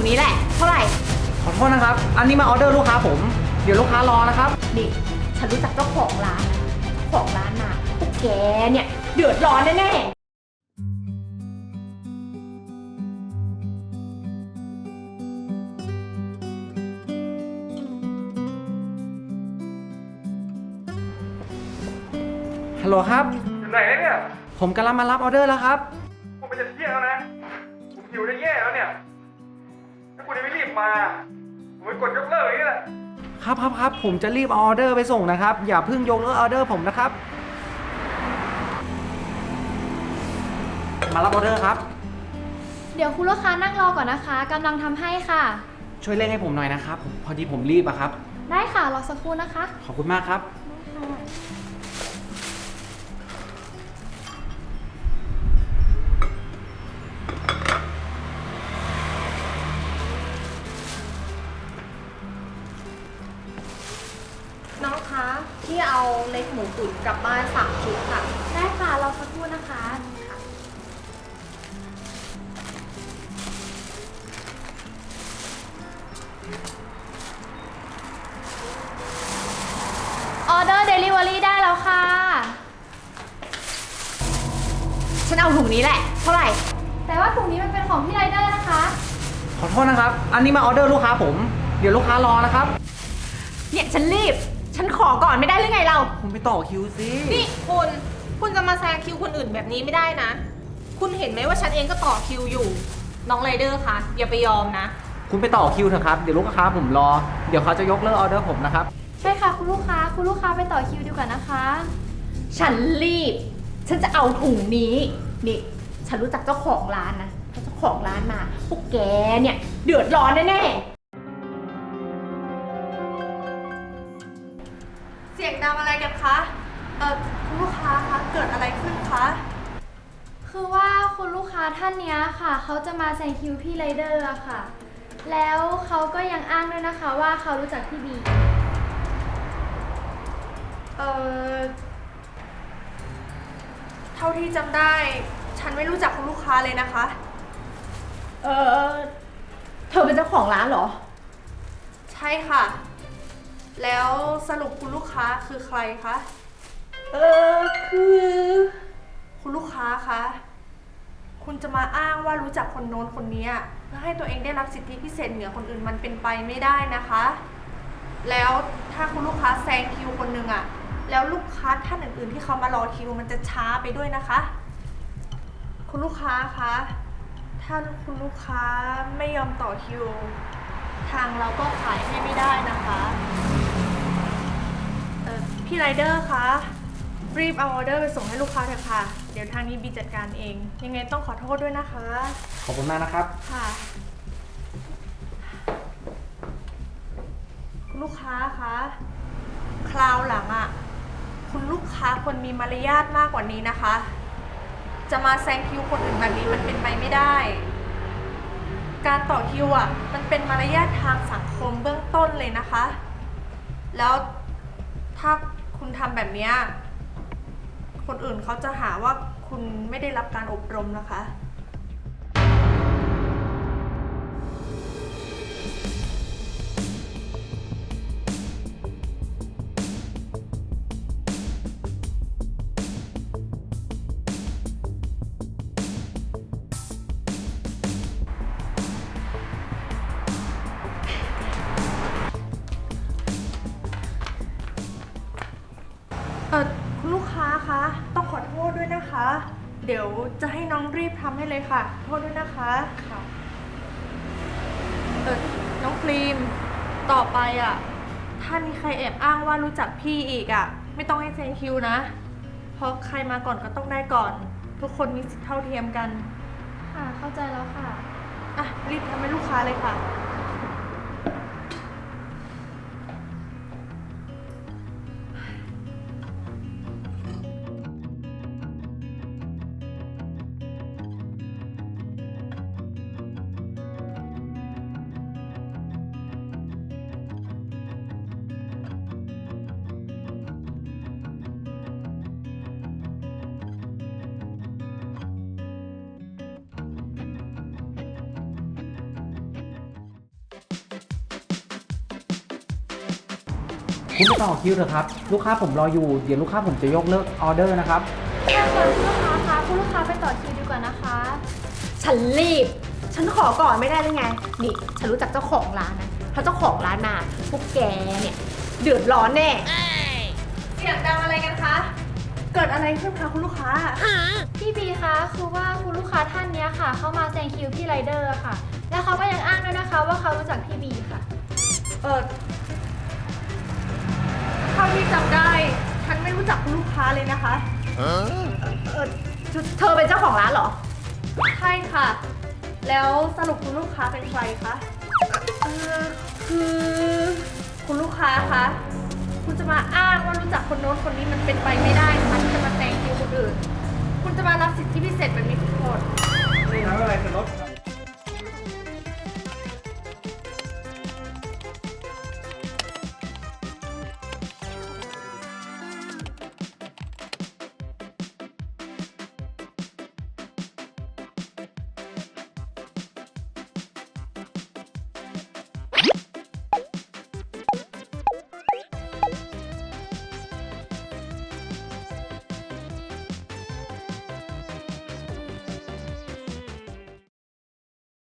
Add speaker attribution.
Speaker 1: นี้แหละเท่าไหร่
Speaker 2: ขอโทษนะครับอันนี้มาออเดอร์ลูกค้าผมเดี๋ยวลูกค้ารอนะครับ
Speaker 1: นี่ฉันรู้จักเจ้าของร้านนะเจ้าของร้านมาพวกแกเนี่ยเดือดร้อนแน่
Speaker 2: ฮัลโหลครับ
Speaker 3: อยู่ไหนเนี่ย
Speaker 2: ผมกำลังมารับออเดอร์แล้วครับ
Speaker 3: ผมไปจะเที่ยงแล้วนะผมหิวจะแย่แล้วเนี่ยถ้าคุณยังไม่รีบมาผมไปกดยกเลิกอย่างนี้แหละ
Speaker 2: ครับผมจะรีบเอาออเดอร์ไปส่งนะครับอย่าเพิ่งยกเลิกออเดอร์ผมนะครับมารับออเดอร์ครับ
Speaker 4: เดี๋ยวคุณลูกค้านั่งรอก่อนนะคะกำลังทำให้ค่ะ
Speaker 2: ช่วยเร่งให้ผมหน่อยนะครับพอดีผมรีบอะครับ
Speaker 4: ได้ค่ะรอสักครู่นะคะ
Speaker 2: ขอบคุณมากครับ
Speaker 1: น้องคะที่เอาเล็กหมูตุ๋นกลับบ้าน3 ชุดค่ะ
Speaker 4: ได้ค่ะรอสักครู่นะคะออเดอร์เดลิเวอรี่ได้แล้วค่ะ
Speaker 1: ฉันเอาถุงนี้แหละเท่าไหร่
Speaker 4: แต่ว่าถุงนี้มันเป็นของพี่ไรเดอร์นะคะ
Speaker 2: ขอโทษนะครับอันนี้มาออเดอร์ลูกค้าผมเดี๋ยวลูกค้ารอนะครับ
Speaker 1: เนี่ยฉันรีบฉันขอก่อนไม่ได้หรือไงเรา
Speaker 2: คุณไปต่อคิวสิ
Speaker 5: นี่คุณจะมาแซงคิวคนอื่นแบบนี้ไม่ได้นะคุณเห็นไหมว่าฉันเองก็ต่อคิวอยู่น้องไรเดอร์คะอย่าไปยอมนะ
Speaker 2: คุณไปต่อคิวเถอะครับเดี๋ยวลูกค้าผมรอเดี๋ยวเขาจะยกเลิกออเดอร์ผมนะครับ
Speaker 4: ใช่ค่ะคุณลูกค้าไปต่อคิวดีกว่านะคะ
Speaker 1: ฉันรีบฉันจะเอาถุงนี้นี่ฉันรู้จักเจ้าของร้านนะเจ้าของร้านมาพวกแกเนี่ยเดือดร้อนแน่
Speaker 5: เสียงดังอะไรกันคะคุณลูกค้าคะเกิดอะไรขึ้นคะ
Speaker 4: คือว่าคุณลูกค้าท่านนี้ค่ะเขาจะมาแซงคิวพี่ไรเดอร์อะค่ะแล้วเขาก็ยังอ้างด้วยนะคะว่าเขารู้จักพี่บี
Speaker 5: เท่าที่จำได้ฉันไม่รู้จักคุณลูกค้าเลยนะคะ
Speaker 1: เธอเป็นเจ้าของร้านเหรอ
Speaker 5: ใช่ค่ะแล้วสรุปคุณลูกค้าคือใครคะ
Speaker 1: คือ
Speaker 5: คุณลูกค้าคะคุณจะมาอ้างว่ารู้จักคนโน้นคนนี้เพื่อให้ตัวเองได้รับสิทธิพิเศษเหนือคนอื่นมันเป็นไปไม่ได้นะคะแล้วถ้าคุณลูกค้าแซงคิวคนหนึ่งแล้วลูกค้าท่านอื่นๆที่เขามารอคิวมันจะช้าไปด้วยนะคะคุณลูกค้าคะถ้าคุณลูกค้าไม่ยอมต่อคิวทางเราก็ขายให้ไม่ได้นะคะพี่ไรเดอร์คะรีบเอาออเดอร์ไปส่งให้ลูกค้าเถอะค่ะเดี๋ยวทางนี้บีจัดการเองยังไงต้องขอโทษด้วยนะคะ
Speaker 2: ขอบคุณมากนะครับ
Speaker 5: ค่ะคุณลูกค้าคะคราวหลังคุณลูกค้าควรมีมารยาทมากกว่านี้นะคะจะมาแซงคิวคนอื่นแบบนี้มันเป็นไปไม่ได้การต่อคิวมันเป็นมารยาททางสังคมเบื้องต้นเลยนะคะแล้วถ้าคุณทำแบบนี้คนอื่นเขาจะหาว่าคุณไม่ได้รับการอบรมนะคะคุณลูกค้าคะต้องขอโทษด้วยนะคะเดี๋ยวจะให้น้องรีบทำให้เลยค่ะโทษด้วยนะคะค่ะน้องครีมต่อไปถ้ามีใครแอบอ้างว่ารู้จักพี่อีกไม่ต้องให้แซงคิวนะเพราะใครมาก่อนก็ต้องได้ก่อนทุกคนมีสิทธิเท่าเทียมกัน
Speaker 4: ค่ะเข้าใจแล้วค่ะ
Speaker 5: รีบทำให้ลูกค้าเลยค่ะ
Speaker 2: คุณไปต่อคิวเถอะครับ ลูกค้าผมรออยู่ เดี๋ยวลูกค้าผมจะยกเลิกออเดอร์นะครับ
Speaker 4: ใช่ค่ะคุณลูกค้าคะคุณลูกค้าไปต่อคิวดีกว่านะคะ
Speaker 1: ฉันรีบ ฉันขอก่อนไม่ได้หรือไง นี่ ฉันรู้จักเจ้าของร้านนะถ้าเจ้าของร้านมาพวกแกเนี่ยเดือดร้อนแน่
Speaker 5: เสียงดังอะไรกันคะ เกิดอะไรขึ้นคะคุณลูกค้า
Speaker 4: พี่บีคะคือว่าคุณลูกค้าท่านเนี้ยค่ะเขามาแซงคิวพี่ไรเดอร์ค่ะ แล้วเขาก็ยังอ้างด้วยนะคะว่าเขารู้จักพี่บีค่ะ
Speaker 5: เท่าที่จำได้ ฉันไม่รู้จักคุณลูกค้าเลยนะคะ
Speaker 1: เธอเป็นเจ้าของร้านเหรอ
Speaker 5: ใช่ค่ะ แล้วสรุปคุณลูกค้าเป็นใครคะคือคุณลูกค้าคะ คุณจะมาอ้างว่ารู้จักคนโน้นคนนี้มันเป็นไปไม่ได้นะคะที่จะมาแซงคิวคนอื่น คุณจะมารับสิทธิพิเศษแบบ